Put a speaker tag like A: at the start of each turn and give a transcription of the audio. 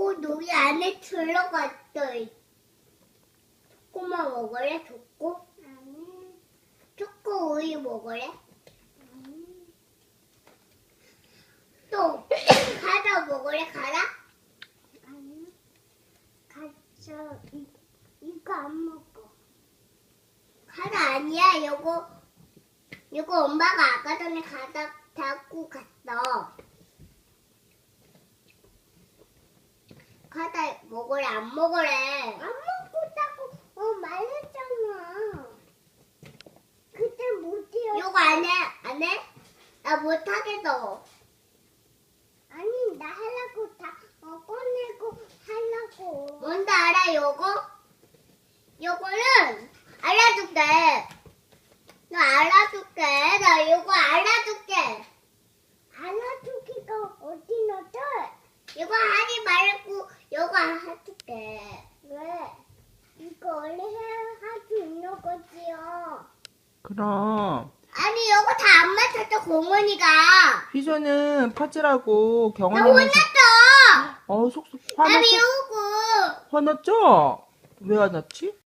A: 여기 안에 들어갔어. 초코만 먹을래? 초코?
B: 아니.
A: 초코 우유 먹을래? 또 과자 먹을래? 과자?
B: 아니. 가져. 이거 안 먹어.
A: 과자 아니야. 이거 엄마가 아까 전에 과자 갖고 갔어. 과자 먹을래? 안 먹을래?
B: 안 먹겠다고 말했잖아. 그때 못해요.
A: 이거 안 해? 안 해? 나 못하겠어.
B: 아니 나 하려고 다 꺼내고 하려고.
A: 뭔지 알아, 요거? 요거는 알려줄게. 나 알려줄게. 나 요거 알려줄게.
B: 알아두기가 어디 넣었어?
A: 이거 하지 말고 요거 해줄게.
B: 왜? 이거 원래 할 수 있는 거지요.
C: 그럼
A: 아니, 요거 다 안 맞췄어, 공원이가.
C: 휘소는 퍼즐하고
A: 나
C: 경원이는
A: 혼났어.
C: 속속
A: 나
C: 화났어?
A: 미우고.
C: 화났죠? 왜 화났지?